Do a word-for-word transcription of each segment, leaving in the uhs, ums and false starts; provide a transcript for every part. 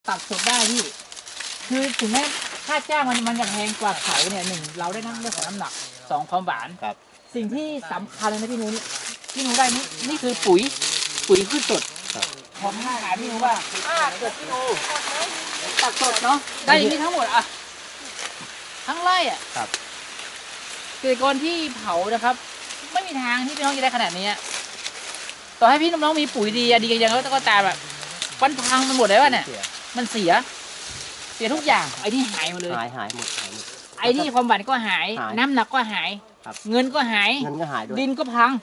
ตัดสดได้พี่คือถึงแม้ค่าจ้างมันมันจะแพงกว่าเขาเนี่ยหนึ่งเราได้น้ำเรื่องของน้ำหนักสองความหวานครับสิ่งที่สำคัญเลยนะพี่นุ้ยพี่นุ้ยได้นี่นี่คือปุ๋ยปุ๋ยพืชสดผมถามพี่นุ้ยว่าถ้าเกิดพี่นุ้ยตัดสดเนาะได้อย่างนี้ทั้งหมดอะทั้งไร่อะครับเกษตรกรที่เผานะครับไม่มีทางที่พี่น้องจะได้ขนาดนี้ต่อให้พี่น้องมีปุ๋ยดีดีกันยังก็ตามแบบมันพังมันหมดเลยว่ะเนี่ยมันเสียเสียทุกอย่างไอ้ที่หายหมดเลยหายหายหมดหายหมดไอ้ที่ความหวานก็หายน้ำหนักก็หายเงินก็หายเงินก็หายด้วยดินก็พัง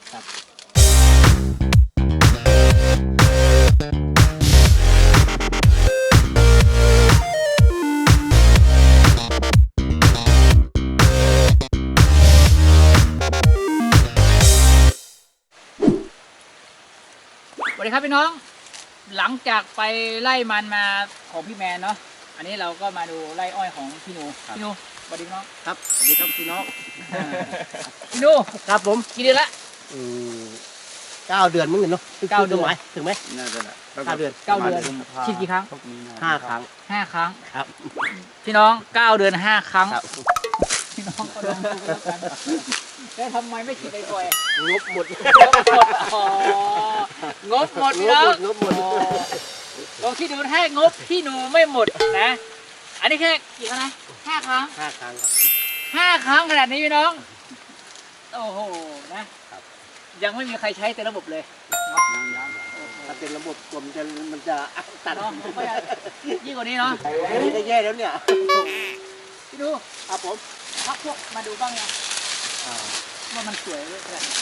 สวัสดีครับพี่น้องหลังจากไปไล่มันมาของพี่แมนเนาะอันนี้เราก็มาดูไล่อ้อยของพี่นูพี่นูสวัสดีพี่น้องครับสวัสดีครับพี่น้องพี่นูครับผมกี่เดือนละอืมเก้าเดือนมึงเห็นเนาะเก้าเดือนไหมถึงไหมน่าจะเก้าเดือนเก้าเดือนฉีดกี่ครั้งห้าครั้งห้าครั้งครับพี่น้องเก้าเดือนห้าครั้งพี่น้องก็ลองดูแล้วกันแล้วทำไมไม่ฉีดบ่อยๆงบหมดงบหมดอ๋องบหมดพี่น้องงบหมดลองคิดดูถ้างบพี่หนูไม่หมดนะอันนี้แค่กี่ครั้งนะห้าครั้งห้าครั้งห้าครั้งขนาดนี้พี่น้องโอ้โหนะยังไม่มีใครใช้เต็มระบบเลยถ้าเป็นระบบกลมจะมันจะตัดเนาะยิ่งกว่านี้เนาะนี่ก็แย่แล้วเนี่ยพี่ดูครับผมพักพวกมาดูบ้างนะว่ามันสวยเลยขนาดนี้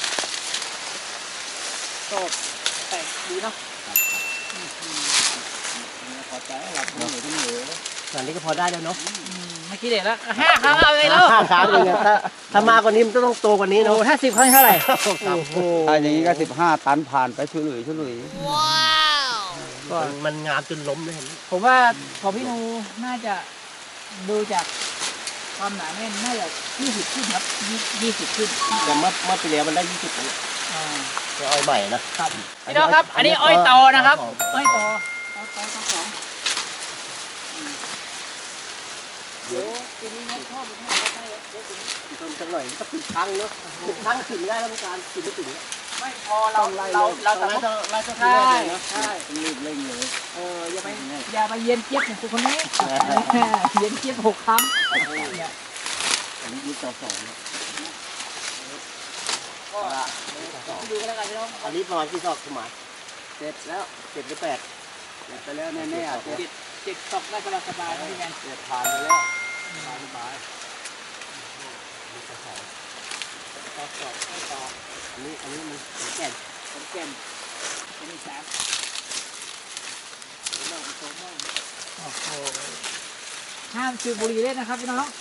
โตแต่ดีเนาะพอใจหลับเหนื่อยทั้งเหนื่อยตอนนี้ก็พอได้แล้วเนาะไม่คิดเลยแล้วห้าครั้งเอาไปแล้วห้าครั้งเลยถ้าถ้ามากกว่านี้มันต้องโตกว่านี้เนาะถ้าสิบครั้งเท่าไหร่ถ้าอย่างนี้ก็สิบห้าตันผ่านไปช่วยหลุยช่วยหลุยว้าวก็มันงามจนล้มเลยผมว่าพอพี่นูน่าจะดูจากความหนาแน่นน่าจะยี่สิบขึ้นครับยี่สิบขึ้นแต่เมื่อเมื่อปีแล้วมันได้ยี่สิบเลยจะอ้อยใหม่นะครับพี่น้องครับอันนี้อ้อยตอนะครับอ้อยตอตอตอตอสองเดี๋ยวปีนี้นะชอบมันให้ได้เดี๋ยวปีนี้ต้นจังหน่อยก็ปิดครั้งเนาะปิดครั้งถึงได้แล้วต้องการปิดไม่ถึงไม่พอเราเราเราสามารถเราจะใช่ใช่รีบเร่งเลยเอออย่าไปอย่าไปเย็นเจี๊ยบอย่างคุณคนนี้เย็นเจี๊ยบหกครั้งเนี่ยอันนี้ยี่สิบสองก็ดูกันแล้วกันพี่น้องอันนี้ประมาณกี่ซอกสมัยเจ็ดแล้วเจ็ดหรือแปดเจ็ดไปแล้วแน่ๆเจ็ดเจ็ดซอกได้สบายๆนะพี่แมนเจ็ดผ่านไปแล้วสบายสบายมีกระสอบกระสอบกระสอบอันนี้อันนี้มันแก่นแก่นอันนี้สามเราโตมากโอ้โหห้ามสูบบุหรี่เล่นนะครับพี่น้อง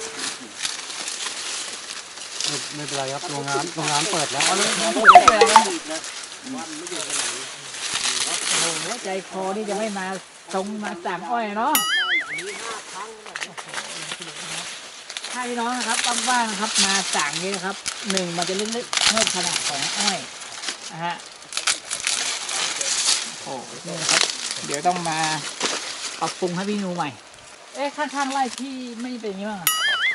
ไม่เป็นไรครับโรงงานโรงงานเปิดแล้วเอาเลยเอาเลยเอาเลยนะวันไม่อยู่ที่ไหนโอ้โหใจคอนี่จะไม่มาตรงมาสั่งอ้อยเนาะถ้าพี่น้องนะครับว่างๆนะครับมาสั่งนี้นะครับหนึ่งมันจะเล็กๆเพิ่มขนาดของอ้อยนะฮะโอ้นี่นะครับเดี๋ยวต้องมาปรับปรุงให้พี่นูใหม่เอ๊ะข้างๆไร่ที่ไม่เป็นอย่างนี้บ้าง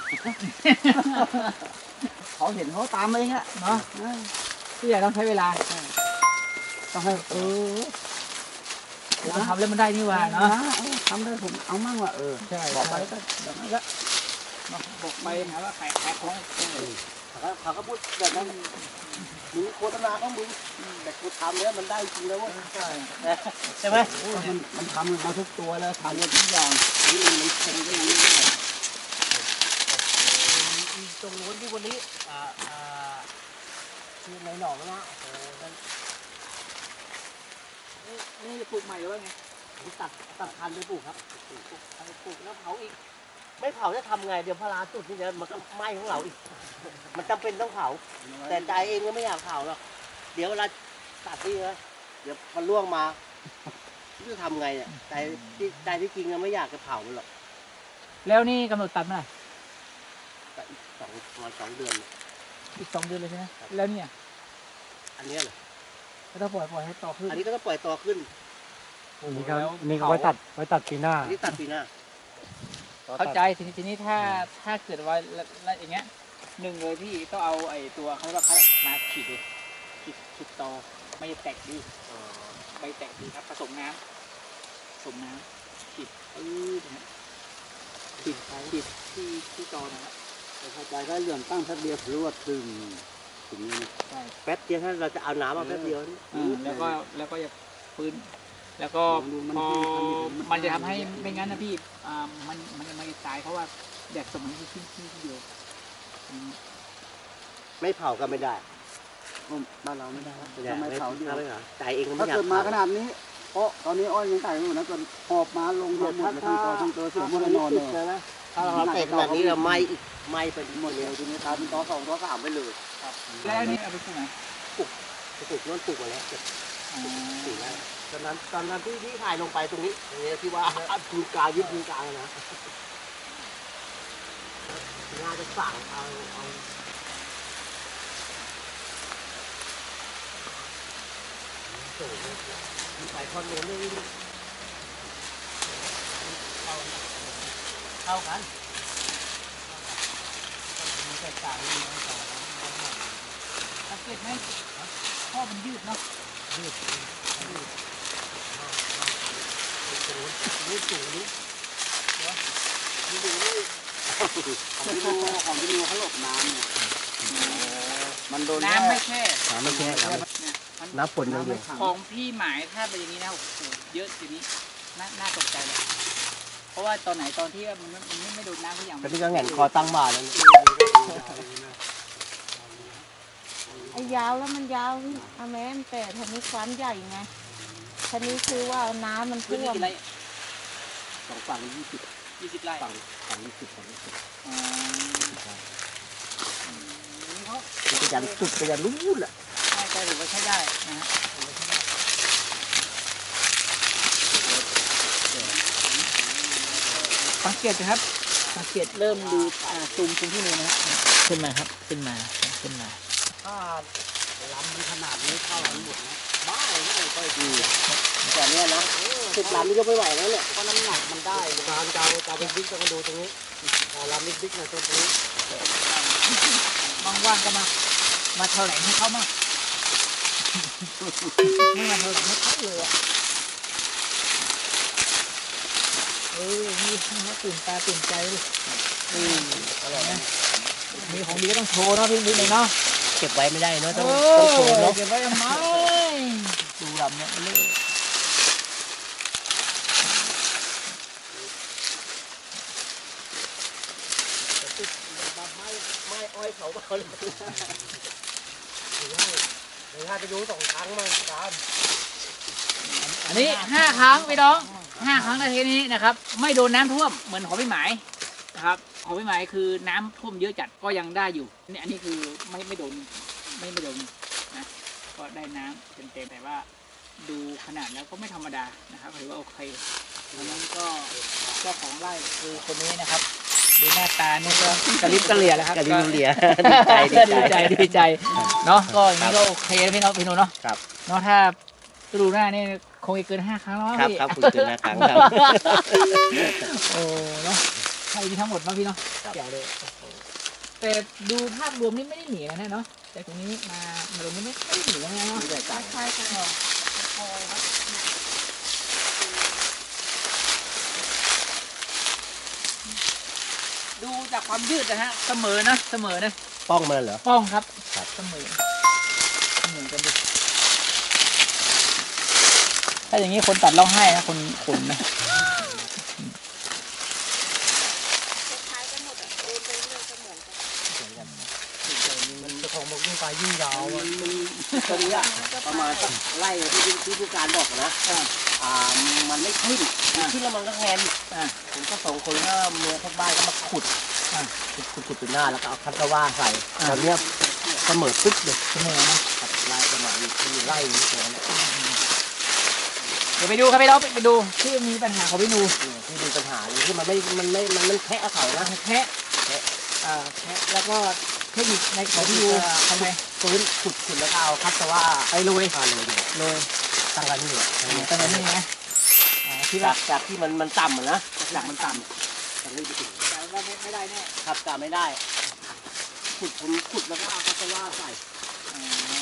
เขาเห็นเขาตามเองอะเนาะที่ใหญ่ต้องใช้เวลาต้องให้เออเราทำแล้วมันได้นี่ว่าเนาะทำได้ผมเอามั่งว่ะเออใช่บอกไปก็แบบนั้นก็บอกไปหาว่าขายขายของเขาก็พูดแบบนั้นมึงโฆษณาของมึงแต่กูทำแล้วมันได้จริงแล้วว่าใช่ใช่ไหมมันมันทำมาทุกตัวแล้วทำมาทุกอย่างนี่มันมันเค็มได้ยังไงตรงนู้นที่วันนี้อ่าอ่าคือในหนองนะโอ้นี่นี่ปลูกใหม่หรือว่าไงตัดตัดพันธุ์ไปปลูกครับปลูกปลูกปลูกแล้วเผาอีกไม่เผาจะทำไงเดี๋ยวพลาจุดนี่เดี๋ยวมันก็ไหม้ของเราอีกมันจำเป็นต้องเผาแต่ใจเองก็ไม่อยากเผาหรอกเดี๋ยวเวลาตัดนี่นะเดี๋ยวมันล่วงมาจะทำไงเนี่ยใจที่ใจที่จริงก็ไม่อยากจะเผามันหรอกแล้วนี่กำหนดตัดเมื่อไหร่สองประมาณสองเดือนอีกสองเดือนเลยใช่ไหมแล้วเนี่ยอันนี้เหรอก็ต้องปล่อยปล่อยให้ต่อขึ้นอันนี้ก็ต้องปล่อยต่อขึ้นอันนี้ก็อันนี้ก็ไว้ตัดไว้ตัดปีหน้านี่ตัดปีหน้าเข้าใจทีนี้ทีนี้ถ้าถ้าเกิดว่าแล้วอย่างเงี้ยหนึ่งเลยพี่ต้องเอาไอ้ตัวเขาเรียกว่าเขามาขีดดูขีดขีดตอไม่จะแตกดีไม่แตกดีครับผสมน้ำผสมน้ำขีดปื้ดนะฮะขีดขีดที่ที่ตอนะครับเข้าใจก็เหลื่อมตั้งแป๊บเดียวรวดถึงถึงนี้ใช่แป๊บเดียวถ้าเราจะเอาน้ำมาแป๊บเดียวนี่อ่าแล้วก็แล้วก็จะปืนแล้วก็พอมันจะทำให้ไม่งั้นนะพี่อ่ามันมันมันจะตายเพราะว่าแดดสมัยที่ขึ้นที่เดียวอืมไม่เผาก็ไม่ได้บ้านเราไม่ได้ครับไม่ได้ทำไมเผาเดียวไม่เผาใจเองก็ไม่ถ้าอยากเกิดมาเผาขนาดนี้เพราะตอนนี้อ้อยยังไต่ไม่หมดนะจนหอบมาลงหมดเลยทั้งตัวทั้งตัวเสียหมดเลยนอนเลยถ้าเราเตะขนาดนี้เราไหม้อีกไหม้ไปหมดเลยทีนี้ทำต่อสองต่อสามไปเลยแล้วอันนี้เอาไปปลูกไหนปลูกโน่นปลูกมาแล้วอ๋อปลูกแล้วตอนนั้นตอนนั้นที่ที่ถ่ายลงไปตรงนี้เนี่ยที่ว่าภูกลางยึดภูกลางนะน่าจะสั่งเอาเอาโอ้โหใส่คอนโดนี่เข้ากันมีแตกต่างกันน้อยต่อสังเกตไหมข้อมันยืดเนาะยืดยืดยืดสูงนี่ยืดสูงนี่ของที่ดูของที่ดูเขาหลบน้ำเนี่ยมันโดนน้ำไม่แค่น้ำไม่แค่น้เนี่ยมันำน้ำฝนอย่างเดียวของพี่หมายถ้าเป็นอย่างนี้นะโอ้โหเยอะทีนี้น่าน่าตกใจเลยเพราะว่าตอนไหนตอนที่มันมันไม่ไม่โดนน้ำทุกอย่างตอนนี้ก็แหงนคอตั้งบ่าแล้วไอ้ยาวแล้วมันยาวเอาแม่มแต่ทีนี้ความใหญ่ไงทีนี้คือว่าน้ำมันพื้นท่วที่มกี่ไร่สองฝั่งยี่สิบยี่สิบไร่ฝั่งฝั่งยี่สิบฝั่งยี่สิบอ๋อนี่เขาไปยันสุดไปยันนู้นแหละใช่ใช่ถือว่าใช้ได้นะฮะสังเกตนะครับสังเกตเริ่มดูอ่าซูมซูมที่นี่นะฮะขึ้นมาครับขึ้นมาขึ้นมาถ้าลำมีขนาดนี้เข้ากันหมดนะบ้าเลยไม่ค่อยดีแต่เนี้ยนะสิบลำนี่ก็ไม่ไหวแล้วเนี่ยเพราะน้ำหนักมันได้การเจ้าเจ้าเป็นบิ๊กต้องมาดูตรงนี้ลำบิ๊กๆหน่อยตรงนี้ว่างๆก็มา มาแถลงให้เขามาไม่มาแถลงให้เขาเลยอ่ะเออนี่เขาตื่นตาตื่นใจเลยอืมอะไรนะมีของดีก็ต้องโชว์เนาะพี่นิดหนึ่งเนาะเก็บไว้ไม่ได้เนาะเอต้องต้องโชว์อเนาะเก็บไว้ทำไมดูดำเนี่ยเล่ไม้อ้อยเขาเบาเลยเดี๋ยวถ้าจะดูสองครั้งมั้งครับอันนี้ห้าครั้งพี่น้องห้าครั้งในทีนี้นะครับ ไม่โดนน้ำท่วมเหมือนของพี่หมายนะครับของพี่หมายคือน้ำท่วมเยอะจัดก็ยังได้อยู่นี่อันนี้คือไม่ไม่โดนไม่ไม่โดนนะก็ได้น้ำเต็มๆแต่ว่าดูขนาดแล้วก็ไม่ธรรมดานะครับถือว่าโอเคแล้วนั้นก็เจ้าของไร่คือคนนี้นะครับดูหน้าตานี่ก็กระลิบกระเหลี่ยแล้วครับกะลิบกะเหลี่ยดีใจดีใจดีใจเนาะก็อย่างนี้ก็โอเคนะพี่น้องพี่หนูเนาะครับเนาะถ้าดูหน้านี่คงจะเกินห้าครั้งแล้วมั้งครับพี่ครับคุณเกินห้าครั้งครับโอ้เนาะใช่มีทั้งหมดเนาะพี่เนาะครับใหญ่เลยแต่ดูภาพรวมนี่ไม่ได้หนีนะเนี่ยเนาะแต่ตรงนี้มามาตรงนี้ไม่ไม่ได้หนีนะเนี่ยเนาะไม่ได้จ่ายใช่กันดูจากความยืดนะฮะเสมอนะเสมอนะป้องมันเหรอป้องครับครับเสมอเสมอกันดิถ้าอย่างนี้คนตัดร้องไห้นะคนขนนะคล้ายกันหมดอ่ะโอนไปเรื่อยก็เหมือนกันมันจะของมันยิ่งไปยิ่งยาวมันมันตรงเนี้ยประมาณสักไล่ที่ที่ผู้การบอกนะอ่าอ่ามันไม่ขึ้นขึ้นแล้วมันก็แทนอ่าผมก็สองคนก็เมียข้างบ้านก็มาขุดอ่าขุดขุดขุดเป็นหน้าแล้วก็เอาคัตตาว่าใส่อ่าตอนเนี้ยเสมอปึ๊บเลยเสมอนะครับไล่ประมาณที่ไล่นี้แค่นั้นเดี๋ยวไปดูครับพี่น้องไปดูที่มีปัญหาของพี่นูเนี่ยที่มีปัญหาอยู่ที่มันไม่มันไม่มันมันแค่เขานะแคะอ่าแคะแล้วก็เทคนิคในของพี่นูทำไงฟื้นขุดขุดแล้วก็เอาคัตตาว่าไปลุยพาเลยเนี่ยเลยตั้งกันนี่แหละตอนนี้นะที่จาว่ากจากที่มันมันต่ำอะนะจากมันต่ำจากนี้ไปถึงแต่ว่าไม่ไม่ได้แน่ครับกาไม่ได้ขุดผมขุดแล้วก็เอาคาสว่าใส่อ๋อ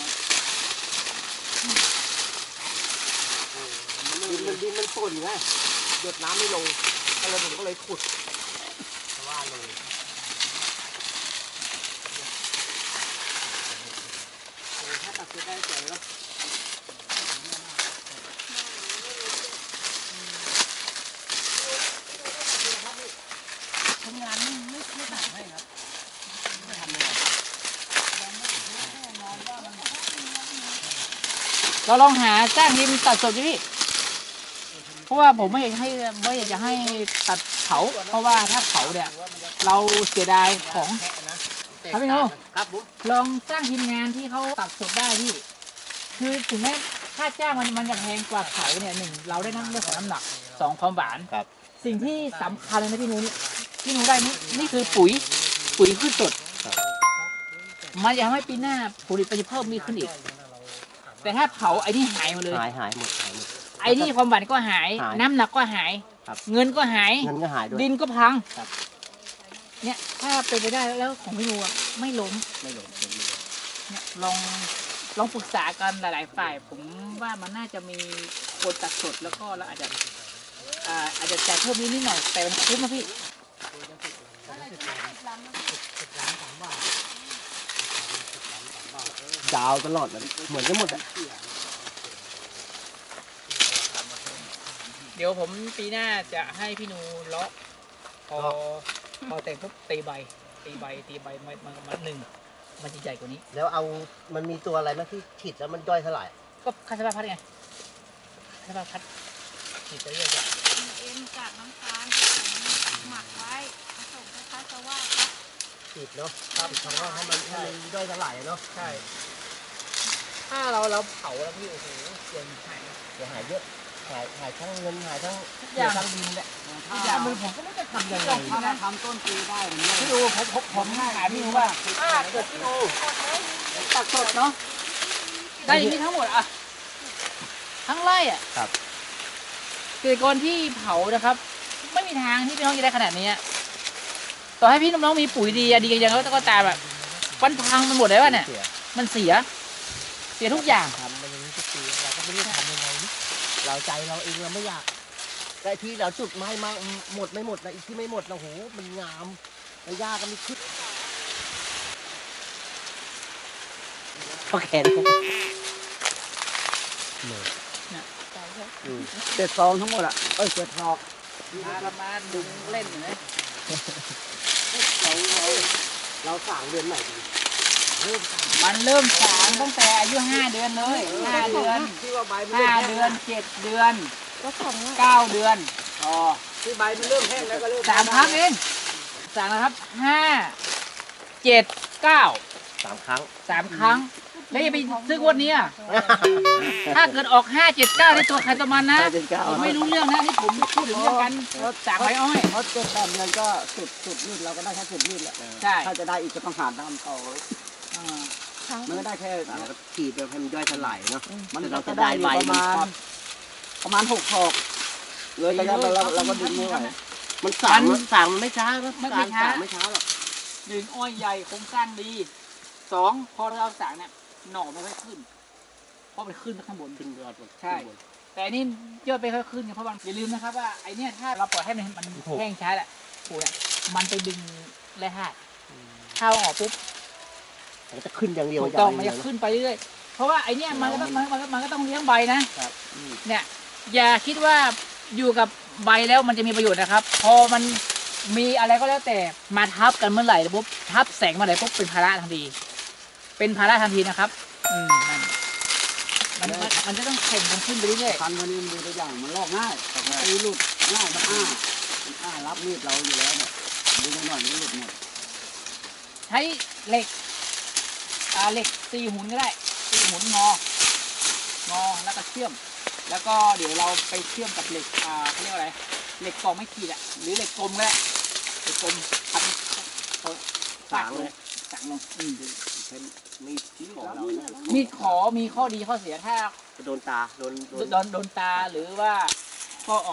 ดินมันดินมันป่นไงหยดน้ำไม่ลงก็เลยผมก็เลยขุดคาสว่าลงถ้าตัดเสร็จได้เสร็จแล้วทำงานไม่ไม่ไม่ต่างให้ครับไม่ทำเลยเราลองหาจ้างทีมตัดสดดิพี่เพราะว่าผมไม่อยากให้ไม่อยากจะให้ตัดเผาเพราะว่าถ้าเผาเนี่ยเราเสียดายของ ครับพี่โน่ครับผมลองจ้างทีมงานที่เขาตัดสดได้พี่คือถึงแม้ค่าจ้างมันมันจะแพงกว่าเผาเนี่ยหนึ่งเราได้น้ำเรื่องของน้ำหนักสองความหวานครับสิ่งที่สำคัญเลยนะพี่หนูพี่หนูได้นี่นี่คือปุ๋ยปุ๋ยพืชสดมันจะทำให้ปีหน้าผลิตผลิตเพิ่มมีขึ้นอีก แต่ถ้าเผาไอ้นี่หายหมดเลยหายหายหมดหายหมดไอ้นี่ความหวานก็หายหายน้ำหนักก็หายครับเงินก็หายเงินก็หายด้วยดินก็พังครับเนี่ยถ้าเป็นไปได้แล้วของพี่หนูอะไม่ล้มไม่หลงไม่หลงเนี่ยลองลองปรึกษากันหลาย ๆ ฝ่าย ผมว่ามันน่าจะมีคนตัดสดแล้วก็เราอาจจะอ่าอาจจะจ่ายเพิ่มนิดนิดหน่อยแต่มันคุ้มนะพี่ดาวตลอดเลยเหมือนกันหมดอ่ะเดี๋ยวผมปีหน้าจะให้พี่หนูเลาะพอพอแต่งปุ๊บตีใบตีใบตีใบมันมันมันหนึ่งมันจะใหญ่กว่านี้แล้วเอามันมีตัวอะไรไหมที่ฉีดแล้วมันย่อยสลายก็คาสบาพัดไงคาสบาพัดฉีดไปเรื่อยเอ็มจากน้ำตาลผสมหมักไว้ผสมคล้ายๆกับว่าฉีดเนาะครับทำว่าให้มันให้มันย่อยสลายอะเนาะๆใช่ ถ้าเราเราเผาแล้วพี่โอ้โหเสียงหายเดี๋ยวหายเยอะหายหายทั้งเงินหายทั้งทุกอย่างทั้งดินแหละทุกอย่างมันผมก็ไม่รู้จะทำยังไงถ้านะทำต้นปีได้ผมเนี่ยพี่ดูผมผมผมถามพี่ดูว่าถ้าเกิดพี่ดูตัดสดเนาะได้อย่างนี้ทั้งหมดอะทั้งไร่อะครับเกษตรกรที่เผานะครับ ไม่มีทางที่พี่น้องจะได้ขนาดนี้อะต่อให้พี่น้องมีปุ๋ยดีอะดีกันยังก็ตามแบบมันพังมันหมดแล้วเนี่ยเสียมันเสีย เสียทุกอย่างทำมันอย่างนี้ทุกปีเราก็ไม่รู้จะทำยังไงนี่เราใจเราเองเราไม่อยากแต่ที่เราจุดไม้มาหมดไม่หมดนะอีกที่ไม่หมดนะโหมันงามแล้วยากก็มีขึ้นโอเคนะอืมเจ็ดซองทั้งหมดอ่ะเอ้ยเจ็ดทอกมาละมาดึงเล่นอยู่นะเราเราเราสั่งเดือนไหนดีเริ่มสั่งมันเริ่มสางตั้งแต่อายุห้าเดือนเลยห้าเดือนที่ว่าใบมันห้าเริ่มเดือนเจ็ดเดือนก็ของว่าเก้าเดือนอ๋อที่ใบมันเริ่มแห้งแล้วก็เริ่มสามครั้งเองสามนะครับห้าเจ็ดเก้าสามครั้งสามครั้ง แล้วอย่าไปซื้องวดนี้อะถ้าเกิดออกห้าเจ็ดเก้าในตัวใครตัวมันนะห้าเจ็ดเก้าผมไม่รู้เรื่องนะนี่ผมพูดถึงเรื่องการสางใบอ้อยเพราะเจ็ดแปดเดือนก็สุดสุดมีดเราก็ได้แค่สุดมีดแหละใช่ถ้าจะได้อีกก็ต้องหาตามต่ออ่าครั้งมันก็ได้แค่เราก็ฉีดไปให้มันย่อยสลายเนาะมันแต่เราก็จะได้ได้อยู่ใบประมันมาณประมาณหกทอกเลยระยะเราเราเราก็ดึงไม่ไหวมันสางมันสางมันไม่ช้านะการสางไม่ช้าหรอกหนึ่งอ้อยใหญ่โครงสร้างดีสองพอเราสางเนี่ยหน่อไม่ค่อยขึ้น เพราะมันขึ้นข้างบนขึ้นยอดหมดใช่ แต่อันนี่ยอดไปค่อยขึ้นไงเพราะมันอย่าลืมนะครับว่าไอเนี่ยถ้าเราปล่อยให้มันมันแห้งช้าแหละปูเนี่ยมันไปดึงแร่ธาตุถ้าเอาออกปุ๊บมันจะขึ้นอย่างเดียวถูกต้องมันยาจะวขึ้นไปเรื่อยๆเพราะว่าไอเนี่ยมันก็ต้องมันมันมันก็ต้องเลี้ยงใบนะครับ เนี่ยอย่าคิดว่าอยู่กับใบแล้วมันจะมีประโยชน์นะครับ พอมันมีอะไรก็แล้วแต่มาทับกันเมื่อไหร่ปุ๊บทับแสงเมื่อไหร่ปุ๊บเป็นภาระทันทีเป็นภาระทันทีนะครับ อืมนั่นมันมันมันจะต้องแข่งกันขึ้นไปเรื่อยคันวันนี้มันดูตัวอย่างมันลอกง่ายตีหลุดง่ายมันอ้ามันอ้ารับมีดเราอยู่แล้วเนี่ยดูหน่อยมันหลุดหมดๆใช้เหล็กอ่าเหล็กสี่หุ่นก็ได้สี่หุ่นงองอแล้วก็เชื่อม แล้วก็เดี๋ยวเราไปเชื่อมกับเหล็กอ่าเขาเรียกว่าอะไรเหล็กกองไม่ขีดอ่ะหรือเหล็กกลมก็ได้เหล็กกลมพันเขาๆสางเลยสางลงอืมเป็นมีดของเรานะมีขอมีข้อดีข้อเสียถ้าโดนตาโดนโดนโดนโดนตาหรือว่าข้ออ่อน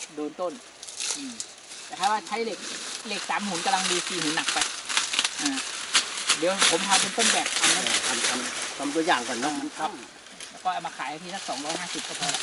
โดนต้นอืมแต่ถ้าว่าใช้เหล็กเหล็กสามหุ่นกำลังดีสี่หุ่นหนักไปอ่าเดี๋ยวผมทำเป็นต้นแบบทำนะทำทำทำตัวอย่างก่อนเนาะครับแล้วก็เอามาขายทีสักสองร้อยห้าสิบก็พอ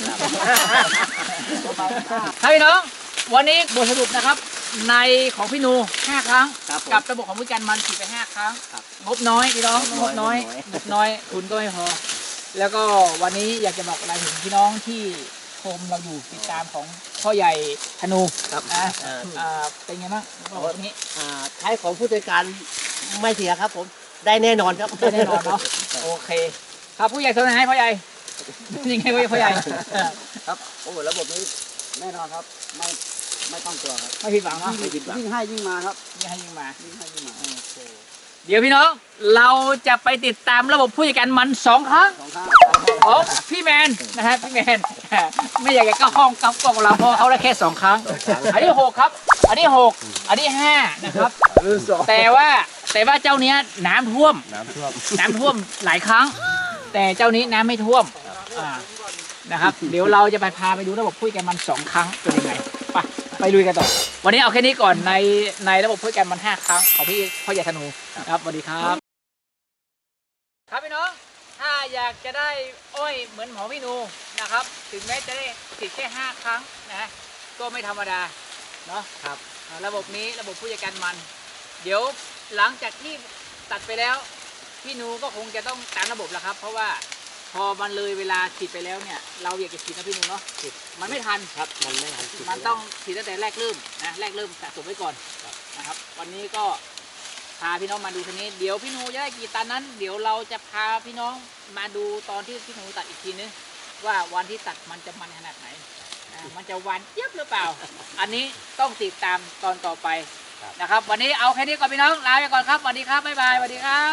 ครับพี่น้องวันนี้บทสรุปนะครับ ในของพี่นูห้าครั้งครับผมกับระบบของผู้การมันฉีดไปห้าครั้งครับงบน้อยพี่น้องงงบบ น้น้ออย ยงบน้อยทุนก็ไม่พอ แล้วก็วันนี้อยากจะบอกอะไรถึงพี่น้องที่ชมเราอยู่ติดตามของพ่อใหญ่ธนูครับนะเอ่ออ่าเป็นไงบ้างบอกตรงนี้อ่าใช้ของผู้จัดการไม่เสียครับผมได้แน่นอนครับได้แน่นอนเนาะโอเค ครับผู้ใหญ่สนใจพ่อใหญ่ยังไงพ่อใหญ่ครับโอ้โหระบบนี้แน่นอนครับไม่ไม่ต้องกลัวครับไม่ผิดหวังเนาะยิ่งยิ่งให้ยิ่งมาครับยิ่งให้ยิ่งมายิ่งให้ยิ่งมาเดี๋ยวพี่น้องเราจะไปติดตามระบบผู้จัดการมันสองครั้งสองข้างของพี่แมนนะฮะพี่แมน ไม่อยากจะเข้าห้องกับกล้องเราเพราะเขาได้แค่สองครั้ง อันนี้หกครับ อันนี้หกอันนี้ห้านะครับ แต่ว่าแต่ว่าเจ้าเนี้ยน้ำท่วมน้ำท่วมน้ำท่วมหลายครั้ง แต่เจ้านี้น้ำไม่ท่วมอ่านะครับ เดี๋ยวเราจะไปพาไปดูระบบผู้จัดการมันสองครั้งเป็นยังไงไปไปลุยกันต่อวันนี้เอาแค่นี้ก่อนในในระบบผู้จัดการมันห้าครั้งของพี่พ่อใหญ่ธนูครับสวัสดีครับ ครับพี่น้อง ถ้าอยากจะได้อ้อยเหมือนหมอพี่นูนะครับ ถึงแม้จะได้ติดแค่ห้าครั้งนะฮะก็ไม่ธรรมดาเนาะครับอ่าระบบนี้ระบบผู้จัดการมัน เดี๋ยวหลังจากที่ตัดไปแล้ว พี่นูก็คงจะต้องตามระบบแล้วครับ เพราะว่าพอมันเลยเวลาฉีดไปแล้วเนี่ย เราอยากจะฉีดนะพี่นูเนาะมันไม่ทันครับมันไม่ทันมันต้องฉีดตั้งแต่แรกเริ่มนะแรกเริ่มสะสมไว้ก่อนนะครับ วันนี้ก็พาพี่น้องมาดูทีนี้ เดี๋ยวพี่นูจะได้กี่ตันนั้น เดี๋ยวเราจะพาพี่น้องมาดูตอนที่พี่นูตัดอีกทีนึงว่าวันที่ตัดมันจะมันขนาดไหนอ่ามันจะหวานเจี๊ยบหรือเปล่า อันนี้ต้องติดตามตอนต่อไปนะครับ วันนี้เอาแค่นี้ก่อนพี่น้องลาไปก่อนครับสวัสดีครับบ๊ายบายสวัสดีครับ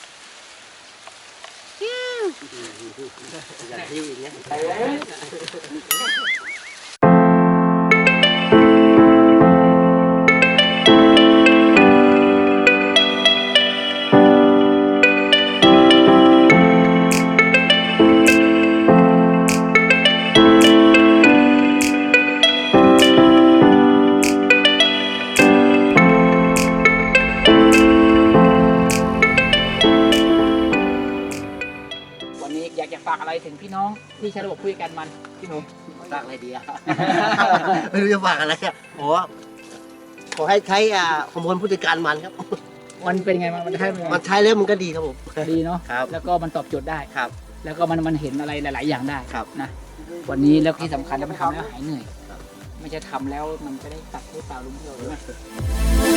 อย่างที่อย่างเงี้ยวันนี้อยากจะฝากอะไรถึงพี่น้องที่ใช้ระบบคุยกันมันพี่หนูฝากอะไรดีอะ ไม่รู้จะฝากอะไรอะโอ้ขอให้ใช้อ่าฮอร์โมนผู้จัดการมันครับมันเป็นไงมันมันใช่ไหมมันใช้แล้วมันก็ดีครับผมดีเนาะครับแล้วก็มันตอบโจทย์ได้ครับแล้วก็มันมันเห็นอะไรหลาย ๆ อย่างได้ครับนะวันนี้แล้วที่สำคัญแล้วมันทำแล้วหายเหนื่อย ไม่ใช่ทำแล้วมันจะได้ตัดให้เปล่าลุงเดียวหรือไง